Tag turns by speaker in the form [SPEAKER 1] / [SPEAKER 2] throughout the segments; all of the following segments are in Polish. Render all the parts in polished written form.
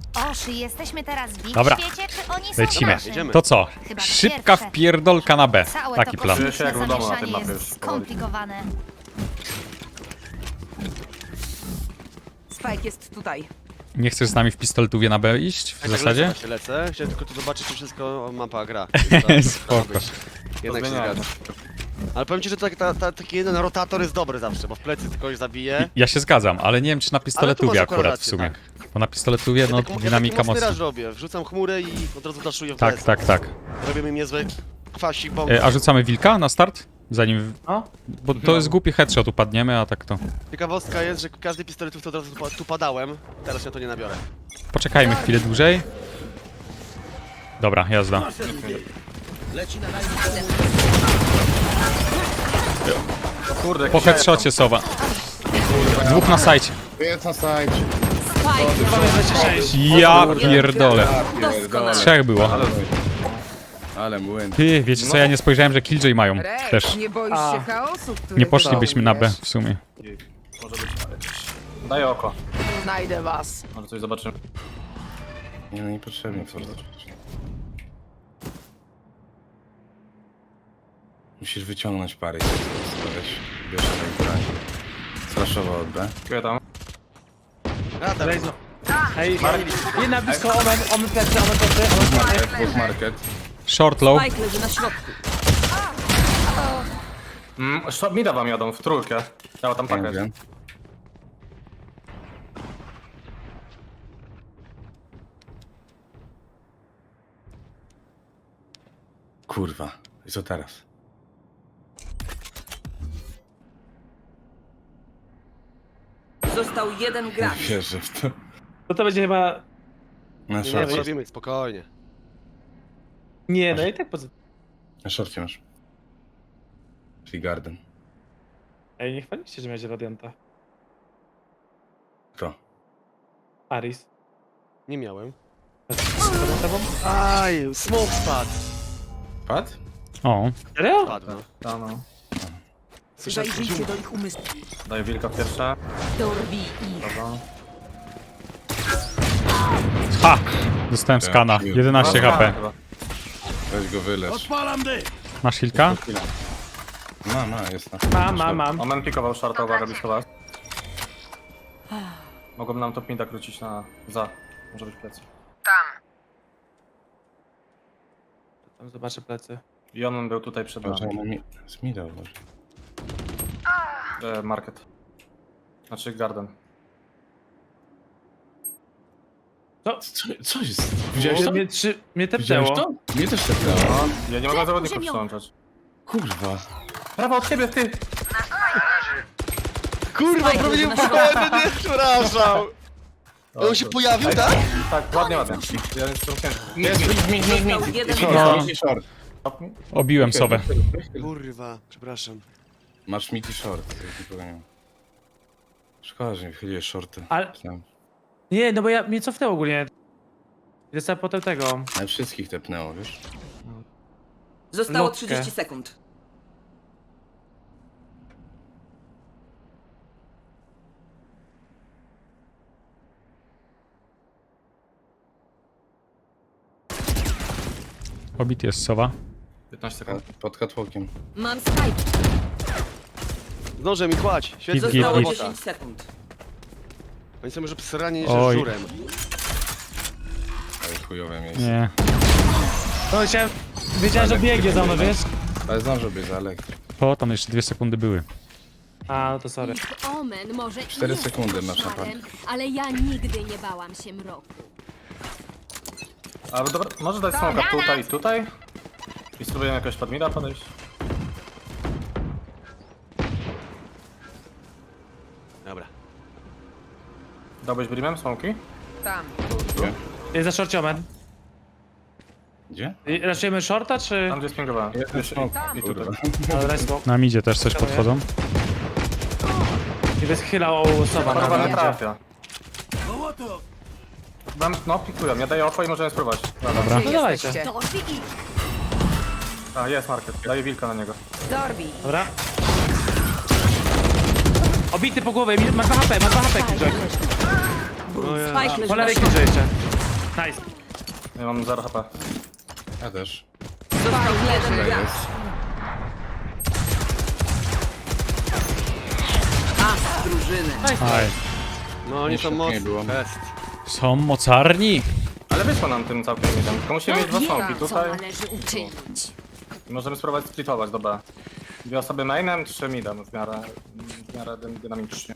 [SPEAKER 1] Oszy, jesteśmy teraz w ich
[SPEAKER 2] Dobra.
[SPEAKER 1] świecie, czy oni są
[SPEAKER 2] Lecimy.
[SPEAKER 1] w naszym?
[SPEAKER 3] Jedziemy.
[SPEAKER 2] To co?
[SPEAKER 1] Chyba
[SPEAKER 2] Szybka
[SPEAKER 1] pierwsze.
[SPEAKER 2] wpierdolka na B.
[SPEAKER 1] Całe
[SPEAKER 2] Taki
[SPEAKER 1] to
[SPEAKER 2] plan.
[SPEAKER 4] Czuję się jak
[SPEAKER 1] kosmiczne
[SPEAKER 4] w domu na tym
[SPEAKER 1] zamieszanie
[SPEAKER 4] mapie
[SPEAKER 1] jest
[SPEAKER 4] już powoli.
[SPEAKER 1] skomplikowane.
[SPEAKER 5] Spike jest tutaj.
[SPEAKER 2] Nie chcesz z nami w pistoletówie na B iść w zasadzie?
[SPEAKER 3] Właśnie lecę. Chciałem tylko tu zobaczyć, czy wszystko mapa gra.
[SPEAKER 2] Spoko.
[SPEAKER 3] Jednak się
[SPEAKER 4] Zmieniałem.
[SPEAKER 3] zgadza. Ale powiem ci, że taki jeden rotator jest dobry zawsze, bo w plecy kogoś zabije.
[SPEAKER 2] Ja się zgadzam, ale nie wiem czy na pistoletówie
[SPEAKER 3] masz
[SPEAKER 2] akurat w
[SPEAKER 3] rację,
[SPEAKER 2] sumie.
[SPEAKER 3] tak.
[SPEAKER 2] Bo na pistoletówie no dynamika
[SPEAKER 3] ja taki
[SPEAKER 2] mocna.
[SPEAKER 3] raz robię, wrzucam chmurę i od razu daszuję w
[SPEAKER 2] Tak,
[SPEAKER 3] plecy.
[SPEAKER 2] tak, tak.
[SPEAKER 3] Robimy im niezły kwasik, bomb.
[SPEAKER 2] A rzucamy wilka na start? Zanim...
[SPEAKER 4] No.
[SPEAKER 2] Bo to jest głupi headshot, upadniemy, a tak to...
[SPEAKER 3] Ciekawostka jest, że każdy pistoletów to od razu tu padałem. Teraz ja to nie nabiorę.
[SPEAKER 2] Poczekajmy chwilę dłużej. Dobra, jazda.
[SPEAKER 4] Kurde,
[SPEAKER 2] Po headshocie sowa. Dwóch na sajcie.
[SPEAKER 6] Jest na sajcie.
[SPEAKER 2] Ja pierdolę.
[SPEAKER 6] Pierdolę.
[SPEAKER 2] Trzech było.
[SPEAKER 6] Ale młyn.
[SPEAKER 2] Ty, wiecie co, ja nie spojrzałem, że Killjoy mają
[SPEAKER 5] Rex,
[SPEAKER 2] też.
[SPEAKER 5] nie boisz się chaosu, który
[SPEAKER 2] Nie poszlibyśmy na B
[SPEAKER 5] wywołujesz?
[SPEAKER 2] w sumie.
[SPEAKER 4] Może być. Daję oko.
[SPEAKER 5] Znajdę was.
[SPEAKER 4] Może coś zobaczymy.
[SPEAKER 6] Nie, no niepotrzebnie co Musisz wyciągnąć parę i weź. Bierz na broń. Straszowo od B.
[SPEAKER 4] Dziękuję tam.
[SPEAKER 3] Radar.
[SPEAKER 7] Hej, jedna blisko, omen plecy,
[SPEAKER 6] Market, dwóch market.
[SPEAKER 2] Short low.
[SPEAKER 5] Spike leży na środku.
[SPEAKER 4] Mida wam jadą w trójkę. Ja tam
[SPEAKER 6] Nie
[SPEAKER 4] pakę.
[SPEAKER 6] wiem. Kurwa. I co teraz?
[SPEAKER 5] Został jeden
[SPEAKER 6] Nie
[SPEAKER 5] gracz.
[SPEAKER 6] wierzę w to.
[SPEAKER 7] no to będzie chyba...
[SPEAKER 6] Na
[SPEAKER 3] Nie,
[SPEAKER 6] szorcie.
[SPEAKER 3] robimy spokojnie.
[SPEAKER 7] Nie, no i tak poza...
[SPEAKER 6] Na szorcie masz. Czyli Garden.
[SPEAKER 7] Ej, nie chwaliście, że miałeś Radianta.
[SPEAKER 6] Kto?
[SPEAKER 7] Aris.
[SPEAKER 3] Nie miałem.
[SPEAKER 7] Za tobą?
[SPEAKER 3] Aj, smoke spadł.
[SPEAKER 6] Pad?
[SPEAKER 2] O,
[SPEAKER 7] Serio?
[SPEAKER 3] Spadł, no.
[SPEAKER 4] No, no.
[SPEAKER 3] Słyszałem,
[SPEAKER 5] Zajrzyjcie do ich umysłu.
[SPEAKER 4] Daję wilka pierwsze.
[SPEAKER 5] Dorwij ich.
[SPEAKER 4] Dobra.
[SPEAKER 2] ha! Dostałem skana. 11 HP.
[SPEAKER 4] Chyba.
[SPEAKER 6] Weź go wylecz.
[SPEAKER 2] Masz hilka?
[SPEAKER 6] Ma, jest na.
[SPEAKER 7] Mam.
[SPEAKER 4] Omen pikował shorta, uwaga, blisko was. Mogą nam top mida krócić na... za. Może być plecy.
[SPEAKER 7] Tam zobaczę plecy.
[SPEAKER 4] I on był tutaj przed nami.
[SPEAKER 6] Może mi... Zmidał może.
[SPEAKER 4] Market. Znaczy garden.
[SPEAKER 6] Co jest? Widziałeś to?
[SPEAKER 7] Mnie
[SPEAKER 6] Widziałeś
[SPEAKER 7] tepnęło.
[SPEAKER 6] to? Mnie też tepnęło.
[SPEAKER 4] No, ja nie mogę zawodników przyłączać.
[SPEAKER 6] Kurwa.
[SPEAKER 4] Prawo od ciebie, ty!
[SPEAKER 3] Kurwa,
[SPEAKER 5] Spike
[SPEAKER 3] prowadził
[SPEAKER 5] leży na
[SPEAKER 3] pokoju, nie, przepraszam. On się pojawił, tak?
[SPEAKER 4] Tak, ładnie. Ja jestem ciężki.
[SPEAKER 6] Jest, mi.
[SPEAKER 5] Został jeden
[SPEAKER 2] No.
[SPEAKER 5] gracz.
[SPEAKER 6] Mid i short.
[SPEAKER 2] Obiłem sowę.
[SPEAKER 3] Kurwa, przepraszam.
[SPEAKER 6] Masz mid i short. Nikogo nie ma. Szkoda, że nie wychyliłeś shorty.
[SPEAKER 7] Ale-
[SPEAKER 6] Myślałem,
[SPEAKER 7] Nie, no bo mnie cofnęło ogólnie. Jest potem tego.
[SPEAKER 6] ale wszystkich tepnęło, wiesz?
[SPEAKER 5] Zostało
[SPEAKER 7] Nutkę.
[SPEAKER 5] 30 sekund.
[SPEAKER 2] Obity jest sowa.
[SPEAKER 4] 15 sekund.
[SPEAKER 6] Pod catwalkiem.
[SPEAKER 5] Mam Spike.
[SPEAKER 3] Zdążę mi kłać. Świetnie.
[SPEAKER 2] Git,
[SPEAKER 5] Zostało
[SPEAKER 2] git.
[SPEAKER 5] 10 sekund.
[SPEAKER 3] Oni są już obsrani niż
[SPEAKER 2] Oj.
[SPEAKER 3] żurem.
[SPEAKER 6] Ale chujowe miejsce.
[SPEAKER 2] Nie.
[SPEAKER 7] No wiedziałem, że biegnie za mną, wiesz?
[SPEAKER 6] Ale zdążyłbyś za elektryk.
[SPEAKER 2] O, tam jeszcze 2 sekundy były.
[SPEAKER 7] A, no to sorry.
[SPEAKER 8] Omen może
[SPEAKER 6] 4
[SPEAKER 8] jest
[SPEAKER 6] sekundy masz na
[SPEAKER 8] koszmarem, ale ja nigdy nie bałam się mroku.
[SPEAKER 4] Ale dobra, może dać smoka tutaj i tutaj? I spróbujemy jakoś pod mida podejść?
[SPEAKER 3] Dobra.
[SPEAKER 4] Dałbyś brimem smoki?
[SPEAKER 5] Tam.
[SPEAKER 7] Jest za short omen.
[SPEAKER 6] Gdzie?
[SPEAKER 7] Raszujemy shorta, czy...
[SPEAKER 4] Tam gdzie spingowałem.
[SPEAKER 6] Jest smoke.
[SPEAKER 4] I tutaj.
[SPEAKER 6] Kurwa.
[SPEAKER 7] Ale daj smoke.
[SPEAKER 2] Na midzie też coś podchodzą.
[SPEAKER 7] I wyschylał sowa
[SPEAKER 4] Chyba
[SPEAKER 7] na
[SPEAKER 4] nie
[SPEAKER 7] mnie.
[SPEAKER 4] trafia. No, pikuję, ja daję oko i możemy spróbować. Dobra.
[SPEAKER 7] No dawajcie.
[SPEAKER 5] Jesteście.
[SPEAKER 8] Dorwij ich!
[SPEAKER 4] A, jest market. Daję wilka na niego.
[SPEAKER 5] Dorwij.
[SPEAKER 7] Dobra. Obity po głowie, ma 2 HP, Killjoy.
[SPEAKER 5] Spike leży
[SPEAKER 7] Po
[SPEAKER 5] na
[SPEAKER 7] lewej
[SPEAKER 5] środku.
[SPEAKER 7] killże jeszcze. Nice.
[SPEAKER 4] Ja mam 0 HP.
[SPEAKER 6] Ja też.
[SPEAKER 5] Został jeden
[SPEAKER 6] Tutaj
[SPEAKER 5] gracz.
[SPEAKER 6] jest.
[SPEAKER 5] As drużyny.
[SPEAKER 2] Aj.
[SPEAKER 3] No oni są
[SPEAKER 6] Nie
[SPEAKER 3] mocni.
[SPEAKER 6] było.
[SPEAKER 3] Best.
[SPEAKER 2] Są mocarni.
[SPEAKER 4] Ale wyszło nam tym całkiem jeden. Tylko musimy mieć dwa smoki
[SPEAKER 8] Co
[SPEAKER 4] tutaj.
[SPEAKER 8] należy uczynić?
[SPEAKER 4] I możemy spróbować splitować, dobra. Dwie osoby mainem, 3 midem w miarę dynamicznie.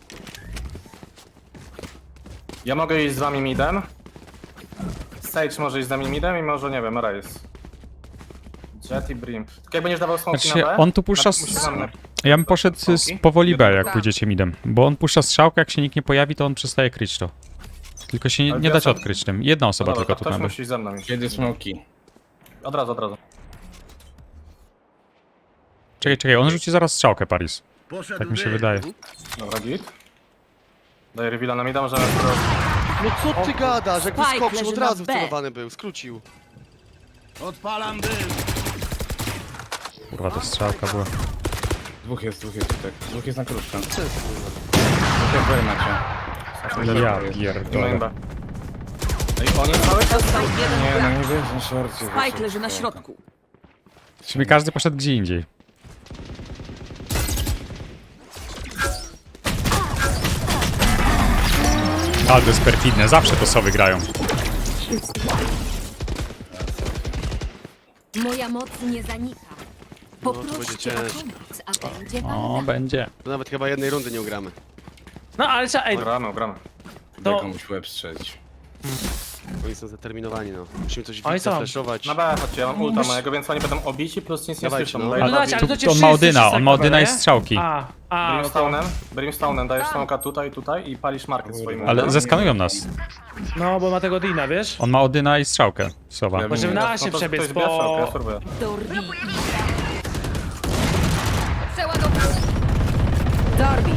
[SPEAKER 4] Ja mogę iść z wami midem. Sage może iść z nami midem i może, nie wiem, Raze. Jet i Brim. Tylko jak będziesz dawał smoki
[SPEAKER 2] Znaczy,
[SPEAKER 4] na B,
[SPEAKER 2] on tu puszcza
[SPEAKER 4] musisz nam na-
[SPEAKER 2] Ja bym poszedł powoli B, jak pójdziecie midem. Bo on puszcza strzałkę, jak się nikt nie pojawi, to on przestaje kryć to. Tylko się
[SPEAKER 4] Ale
[SPEAKER 2] nie
[SPEAKER 4] dwie
[SPEAKER 2] dacie
[SPEAKER 4] osoby.
[SPEAKER 2] odkryć tym. Jedna osoba
[SPEAKER 4] Dobra,
[SPEAKER 2] tylko
[SPEAKER 4] to
[SPEAKER 2] tu na
[SPEAKER 4] ktoś
[SPEAKER 2] B.
[SPEAKER 4] musi iść ze mną iść.
[SPEAKER 6] Kiedy smoki?
[SPEAKER 4] Od razu, od razu.
[SPEAKER 2] Czekaj, on rzuci zaraz strzałkę, Paris. Tak mi się wydaje.
[SPEAKER 4] Dobra, git. Daję reveala na mida, możemy spróbować.
[SPEAKER 3] No co ty gadasz? Jak
[SPEAKER 5] Spike
[SPEAKER 3] wyskoczył,
[SPEAKER 5] leży
[SPEAKER 3] od
[SPEAKER 5] na
[SPEAKER 3] razu
[SPEAKER 5] B.
[SPEAKER 3] wcelowany był, skrócił.
[SPEAKER 2] Kurwa, to strzałka była.
[SPEAKER 6] Dwóch jest tutaj. Dwóch jest na krótkę. Dwóch B macie.
[SPEAKER 2] Ja
[SPEAKER 4] Nie ma
[SPEAKER 2] pierdolę.
[SPEAKER 4] imba. Ej, oni cały czas...
[SPEAKER 5] Został jeden
[SPEAKER 6] Nie, no
[SPEAKER 5] gracz.
[SPEAKER 6] nie wiesz, na szorcie.
[SPEAKER 5] Spike leży na środku.
[SPEAKER 2] Czyli każdy poszedł gdzie indziej. Ale to jest perfidne, zawsze to sobie grają.
[SPEAKER 8] Moja moc nie zanika.
[SPEAKER 3] No, to będzie
[SPEAKER 8] Poproście o
[SPEAKER 3] ciężko.
[SPEAKER 8] pomoc, a będzie
[SPEAKER 2] O,
[SPEAKER 8] wam
[SPEAKER 2] będzie.
[SPEAKER 3] To nawet chyba jednej rundy nie ugramy.
[SPEAKER 7] No ale trzeba, ej,
[SPEAKER 4] Gramy, gramy.
[SPEAKER 6] Daj
[SPEAKER 7] To-
[SPEAKER 6] komuś łeb strzelić.
[SPEAKER 3] Oni są zdeterminowani, no. Musimy coś
[SPEAKER 7] Oni
[SPEAKER 3] widzę
[SPEAKER 7] są.
[SPEAKER 3] flashować.
[SPEAKER 4] Na B, chodźcie, ja mam ulta mojego, więc oni będą obici, plus nic nie
[SPEAKER 3] Dawajcie,
[SPEAKER 4] słyszą.
[SPEAKER 3] no.
[SPEAKER 4] Daję
[SPEAKER 7] ale
[SPEAKER 4] na
[SPEAKER 7] dajcie, ale to cię
[SPEAKER 2] On ma
[SPEAKER 7] wszyscy
[SPEAKER 2] Odyna, on ma
[SPEAKER 7] wszyscy
[SPEAKER 2] Odyna i
[SPEAKER 7] tak,
[SPEAKER 2] strzałki.
[SPEAKER 7] A,
[SPEAKER 4] Brimstone'em dajesz smoka tutaj i palisz market swoim
[SPEAKER 2] Ale
[SPEAKER 4] ultem.
[SPEAKER 2] zeskanują nas.
[SPEAKER 7] no bo ma tego Dina, wiesz?
[SPEAKER 2] On ma Odyna i strzałkę. Sowa.
[SPEAKER 6] Ja bym
[SPEAKER 7] Możemy
[SPEAKER 6] nie-
[SPEAKER 7] na się
[SPEAKER 4] No to
[SPEAKER 7] przebiec,
[SPEAKER 4] ktoś bierze, ja
[SPEAKER 7] bo...
[SPEAKER 4] spróbuję.
[SPEAKER 5] Dorbi.
[SPEAKER 8] przeładować.
[SPEAKER 5] Dorbi.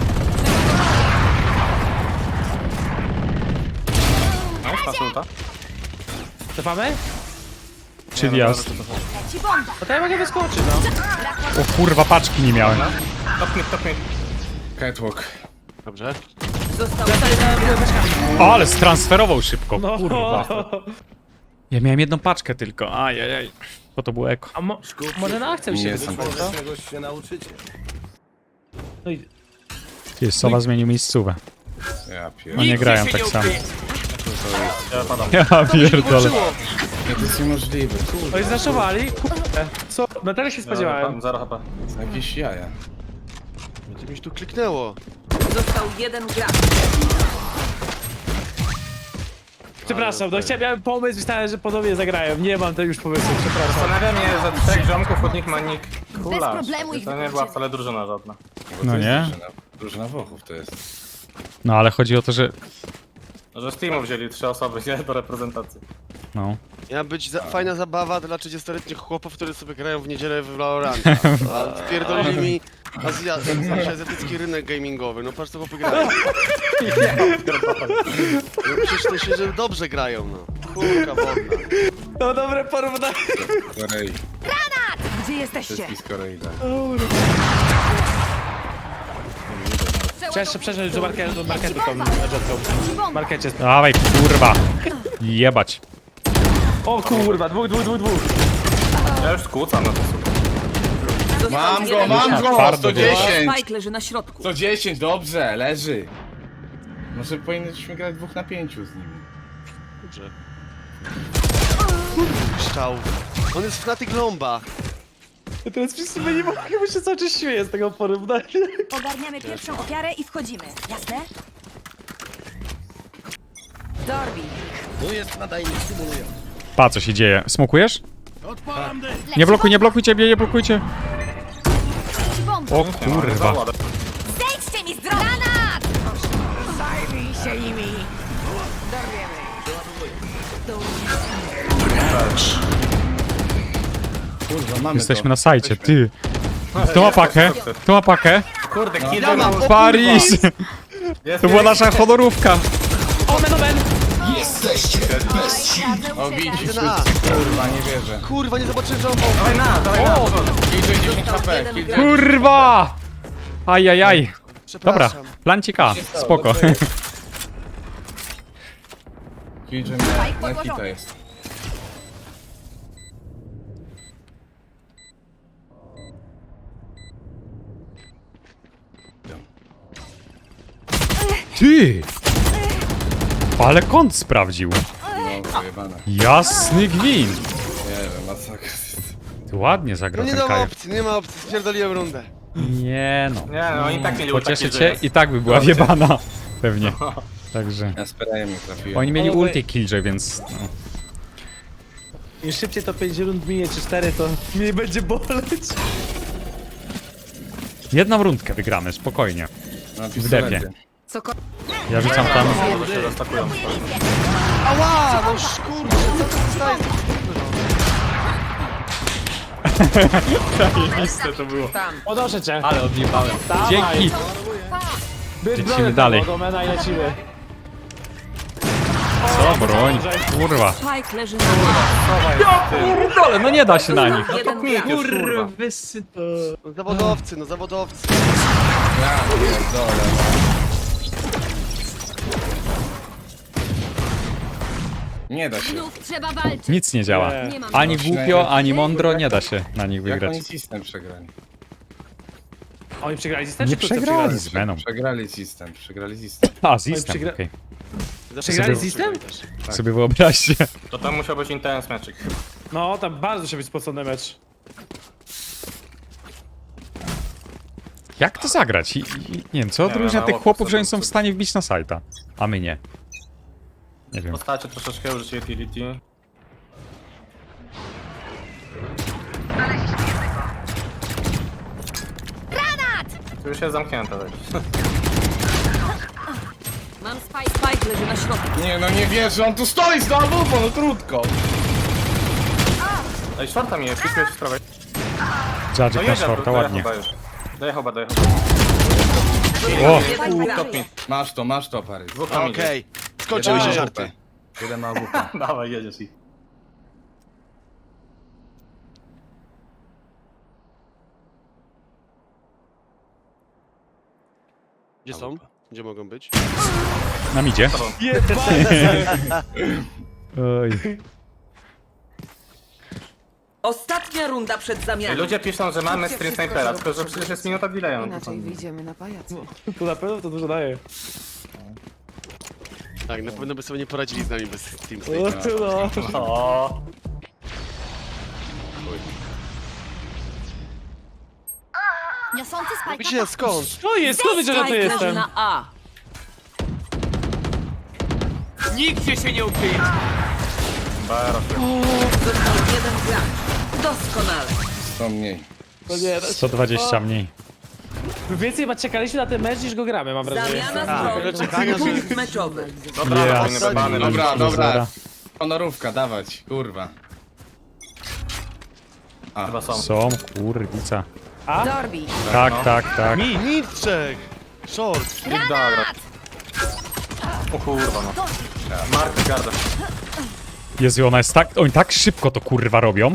[SPEAKER 4] No, masz ulta?
[SPEAKER 7] Cofamy?
[SPEAKER 2] Czyli jazd.
[SPEAKER 8] Leci bomba.
[SPEAKER 7] No to ja mogę wyskoczyć, no.
[SPEAKER 2] O kurwa, paczki nie miałem.
[SPEAKER 4] Top mid.
[SPEAKER 6] Catwalk.
[SPEAKER 3] Dobrze.
[SPEAKER 5] Został
[SPEAKER 2] O, ale stransferował szybko,
[SPEAKER 7] No.
[SPEAKER 2] kurwa. Ja miałem jedną paczkę tylko, ajajaj. Bo to było eko.
[SPEAKER 7] A może na akcję
[SPEAKER 6] Nie
[SPEAKER 7] się
[SPEAKER 6] jestem
[SPEAKER 7] wyskoczyć,
[SPEAKER 6] pewien.
[SPEAKER 7] no? No i...
[SPEAKER 2] Ty, Sowa zmienił miejscówę.
[SPEAKER 6] Ja
[SPEAKER 2] Oni nie grają tak samo.
[SPEAKER 4] Ja padam.
[SPEAKER 2] Ja pierdolę.
[SPEAKER 6] Nie, to jest niemożliwe.
[SPEAKER 7] Oni zraszowali? Kurde. Co? No teraz się spodziewałem.
[SPEAKER 4] 0 HP.
[SPEAKER 6] To jakieś jaja.
[SPEAKER 3] Będzie mi się tu kliknęło.
[SPEAKER 5] Został jeden gracz.
[SPEAKER 7] Przepraszam, no miałem pomysł, myślałem, że podobnie zagrają. Nie mam to już pomysłu, przepraszam.
[SPEAKER 4] Zastanawiam się, że 3 ziomków od nich ma nick Kula.
[SPEAKER 8] problemu ich
[SPEAKER 4] To nie była
[SPEAKER 8] wykończymy.
[SPEAKER 4] wcale drużyna żadna.
[SPEAKER 6] Bo
[SPEAKER 2] No
[SPEAKER 6] to jest
[SPEAKER 2] nie?
[SPEAKER 6] Drużyna Włochów to jest.
[SPEAKER 2] No ale chodzi o to, że...
[SPEAKER 4] Że z teamu wzięli 3 osoby, nie? Do reprezentacji.
[SPEAKER 2] No.
[SPEAKER 3] Miała być fajna zabawa dla 30-letnich chłopów, którzy sobie grają w niedzielę w Valoranta. A wpierdolili mi azjatycki rynek gamingowy. No patrz co chłopy grają. No przecież to się, że dobrze grają, no. Kurka wodna.
[SPEAKER 7] No dobre porównanie.
[SPEAKER 6] Korei.
[SPEAKER 5] Gdzie jesteście?
[SPEAKER 6] Wszystkich z Korei, tak.
[SPEAKER 7] Przeszedł do marketu tą jetką. W markecie.
[SPEAKER 2] Dawaj, kurwa. Jebać.
[SPEAKER 7] O kurwa, dwóch.
[SPEAKER 4] Ja już skłócam na to super.
[SPEAKER 5] Został
[SPEAKER 6] Mam go,
[SPEAKER 5] jeden
[SPEAKER 6] mam
[SPEAKER 5] gracz.
[SPEAKER 6] go!
[SPEAKER 2] Twardo
[SPEAKER 6] 110!
[SPEAKER 5] Spike leży na środku.
[SPEAKER 6] 110, dobrze, leży. Może powinniśmy grać 2 na 5 z nimi.
[SPEAKER 3] Dobrze. Szczał. On jest na tych lombach.
[SPEAKER 7] Teraz wszyscy my nie mogą się cały czas śmieję z tego porównania.
[SPEAKER 9] Ogarniamy pierwszą ofiarę i wchodzimy. Jasne?
[SPEAKER 5] Dorbi.
[SPEAKER 2] Pa, co się dzieje? Smokujesz? Nie blokujcie mnie, nie blokujcie.
[SPEAKER 8] Leci bomba.
[SPEAKER 2] O kurwa.
[SPEAKER 9] Zejdźcie mi z drogi! Granat! Zajmij się nimi!
[SPEAKER 6] Kurwa, mamy
[SPEAKER 2] Jesteśmy
[SPEAKER 6] to.
[SPEAKER 2] na sajcie, ty. Kto ma pakę? Kto ma pakę?
[SPEAKER 4] Kurde, kill
[SPEAKER 3] Ja mam, o
[SPEAKER 2] Paris!
[SPEAKER 4] Jest
[SPEAKER 2] To była nasza honorówka.
[SPEAKER 7] Omen!
[SPEAKER 6] O, widzisz,
[SPEAKER 3] Idę na A.
[SPEAKER 6] kurwa, nie wierzę.
[SPEAKER 3] Kurwa, nie zobaczyłem, że on
[SPEAKER 4] Dawaj na.
[SPEAKER 6] Killjoy 10 HP,
[SPEAKER 5] jeden
[SPEAKER 6] Killjoy.
[SPEAKER 2] Kurwa! Ajajaj. Dobra,
[SPEAKER 3] Przepraszam.
[SPEAKER 2] plancik A. Spoko.
[SPEAKER 6] Killjoy
[SPEAKER 8] Spike
[SPEAKER 6] na
[SPEAKER 8] podłożony.
[SPEAKER 6] hita jest.
[SPEAKER 2] Ty! Ale kąt sprawdził.
[SPEAKER 6] No, wyjebane.
[SPEAKER 2] Jasny gwint.
[SPEAKER 6] Nie wiem, masakra jest.
[SPEAKER 2] Ty ładnie
[SPEAKER 3] No
[SPEAKER 2] zagrał
[SPEAKER 3] nie
[SPEAKER 2] ten
[SPEAKER 3] ma
[SPEAKER 2] Kajo.
[SPEAKER 3] opcji, nie ma opcji, spierdoliłem rundę.
[SPEAKER 2] Nie no.
[SPEAKER 4] Nie, no oni tak mieli
[SPEAKER 2] Pocieszę
[SPEAKER 4] ulta
[SPEAKER 2] cię
[SPEAKER 4] Killjoy.
[SPEAKER 2] i tak by była wjebana. Pewnie. Także.
[SPEAKER 6] Ja sprayem nie trafiłem.
[SPEAKER 2] Oni mieli
[SPEAKER 7] Ale-
[SPEAKER 2] ulti Killjoy, więc... No.
[SPEAKER 7] Im szybciej to 5 rund minie, czy 4, to mniej będzie boleć.
[SPEAKER 2] Jedną rundkę wygramy, spokojnie.
[SPEAKER 6] Na
[SPEAKER 2] w
[SPEAKER 6] pistolecie.
[SPEAKER 2] depie.
[SPEAKER 5] Cokolwiek.
[SPEAKER 2] Ja rzucam tam...
[SPEAKER 4] Bo się roztakują.
[SPEAKER 3] Ała, no szkurczę, co to staje?
[SPEAKER 2] Zajebiste to było.
[SPEAKER 5] Tam.
[SPEAKER 7] Podnoszę cię.
[SPEAKER 2] Ale odjebałem.
[SPEAKER 7] Dawaj.
[SPEAKER 2] Dzięki.
[SPEAKER 7] Bierz
[SPEAKER 2] Lecimy
[SPEAKER 7] broń
[SPEAKER 2] dalej.
[SPEAKER 7] od Omena i lecimy.
[SPEAKER 2] Co broń? Kurwa.
[SPEAKER 5] Spike leży na A.
[SPEAKER 2] Pierdolę, no nie da się na nich.
[SPEAKER 5] Jeden
[SPEAKER 4] Mit
[SPEAKER 5] gracz.
[SPEAKER 4] już, kurwa.
[SPEAKER 3] No zawodowcy, no zawodowcy.
[SPEAKER 6] Ja pierdolę. Nie da się.
[SPEAKER 8] Znów trzeba walczyć.
[SPEAKER 2] Nic nie działa.
[SPEAKER 7] Nie.
[SPEAKER 8] Nie mam.
[SPEAKER 2] Ani głupio, ani mądro nie da się na nich
[SPEAKER 6] Jak
[SPEAKER 2] wygrać.
[SPEAKER 6] oni system przegrali?
[SPEAKER 7] Oni przegrali system,
[SPEAKER 2] Nie
[SPEAKER 7] czy krótce
[SPEAKER 2] przegrali z Venom.
[SPEAKER 6] Przegrali system.
[SPEAKER 2] A, z Istem,
[SPEAKER 7] przegra-
[SPEAKER 2] okej.
[SPEAKER 7] Przegrali z Istem?
[SPEAKER 2] Sobie wyobraźcie.
[SPEAKER 4] To tam musiał być intense meczyk.
[SPEAKER 7] No, tam bardzo się być spocony mecz.
[SPEAKER 2] Jak to zagrać? Nie wiem, co
[SPEAKER 4] Nie
[SPEAKER 2] odróżnia
[SPEAKER 4] wiem,
[SPEAKER 2] tych
[SPEAKER 4] mało
[SPEAKER 2] chłopów, że oni
[SPEAKER 4] podstawowych.
[SPEAKER 2] są w stanie wbić na sajta, a my nie. Nie wiem.
[SPEAKER 4] Postacie troszeczkę użycie utility. Tu już jest zamknięte. Tak.
[SPEAKER 5] Mam spike. Spike leży na środku.
[SPEAKER 6] Nie, no nie wierzę, on tu stoi znowu, bo no krótko.
[SPEAKER 4] Ej, shorta mi jest, pisujesz w prawej.
[SPEAKER 2] Jadzik na
[SPEAKER 4] jedzie,
[SPEAKER 2] shorta, ładnie.
[SPEAKER 4] Dojechał chyba.
[SPEAKER 2] O!
[SPEAKER 5] Jeden gracz.
[SPEAKER 4] Top mi.
[SPEAKER 6] Masz to, Pary.
[SPEAKER 4] Dwóch tam idzie.
[SPEAKER 3] Okej, skończyły się
[SPEAKER 6] Jeden ma
[SPEAKER 3] żarty.
[SPEAKER 6] AWP. Jeden ma AWP.
[SPEAKER 4] Dawaj, jedziesz ich.
[SPEAKER 3] Gdzie są? Gdzie mogą być?
[SPEAKER 2] Nam idzie. Oj.
[SPEAKER 5] Ostatnia runda przed
[SPEAKER 4] Ej,
[SPEAKER 5] zamianą.
[SPEAKER 4] ludzie piszą, że mamy stream snipera, tylko że przecież jest minuta delaya.
[SPEAKER 5] Inaczej wyjdziemy na pajac.
[SPEAKER 7] To na pewno to dużo daje.
[SPEAKER 3] Tak, na pewno by sobie nie poradzili z nami bez Steam
[SPEAKER 7] No.
[SPEAKER 4] O,
[SPEAKER 8] Niosący spajka.
[SPEAKER 3] Gdzie, skąd?
[SPEAKER 7] To jest, skąd wiecie, że to
[SPEAKER 5] Spike leży
[SPEAKER 7] jestem?
[SPEAKER 5] na A.
[SPEAKER 4] Baro.
[SPEAKER 5] Został jeden gracz. Doskonale.
[SPEAKER 6] 100 mniej.
[SPEAKER 7] To nie,
[SPEAKER 2] 120 mniej.
[SPEAKER 7] więcej chyba czekaliśmy na ten mecz niż go gramy, mam wrażenie.
[SPEAKER 5] Zamiana
[SPEAKER 3] czekania,
[SPEAKER 5] zbroi.
[SPEAKER 3] że-
[SPEAKER 5] Punkt meczowy.
[SPEAKER 4] Dobra,
[SPEAKER 2] Ja.
[SPEAKER 4] powinny bebany na
[SPEAKER 6] Dobra, dobra.
[SPEAKER 2] Zera.
[SPEAKER 6] Honorówka, dawać, kurwa.
[SPEAKER 4] chyba są.
[SPEAKER 2] Są, kurwica.
[SPEAKER 5] Dorbi.
[SPEAKER 2] Tak, tak, tak.
[SPEAKER 3] Milczek! Short!
[SPEAKER 4] Dobra. O kurwa no. Mark Garda.
[SPEAKER 2] Jezu, ona jest tak... Oni tak szybko to kurwa robią.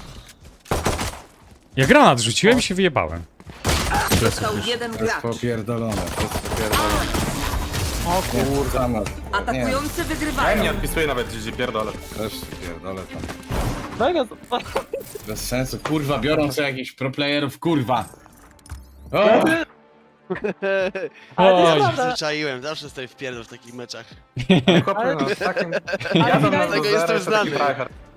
[SPEAKER 2] Ja granat rzuciłem i się wyjebałem.
[SPEAKER 5] Został jeden
[SPEAKER 6] To jest
[SPEAKER 5] gracz.
[SPEAKER 6] popierdolone, to jest popierdolone. O kurwa. Nie,
[SPEAKER 5] Atakujący
[SPEAKER 4] Ja im
[SPEAKER 5] wygrywają.
[SPEAKER 4] nie odpisuję nawet, gdzie pierdolę.
[SPEAKER 6] też pierdolę tam.
[SPEAKER 7] Mega.
[SPEAKER 6] Bez sensu, kurwa, biorą sobie jakichś proplayerów, kurwa. O!
[SPEAKER 7] Ale to jest
[SPEAKER 2] Oj.
[SPEAKER 7] prawda.
[SPEAKER 3] Zwyczaiłem, zawsze stoję w pierdol w takich meczach.
[SPEAKER 4] Chłopy, no, takim... Ja tam
[SPEAKER 3] Dlatego jestem znany.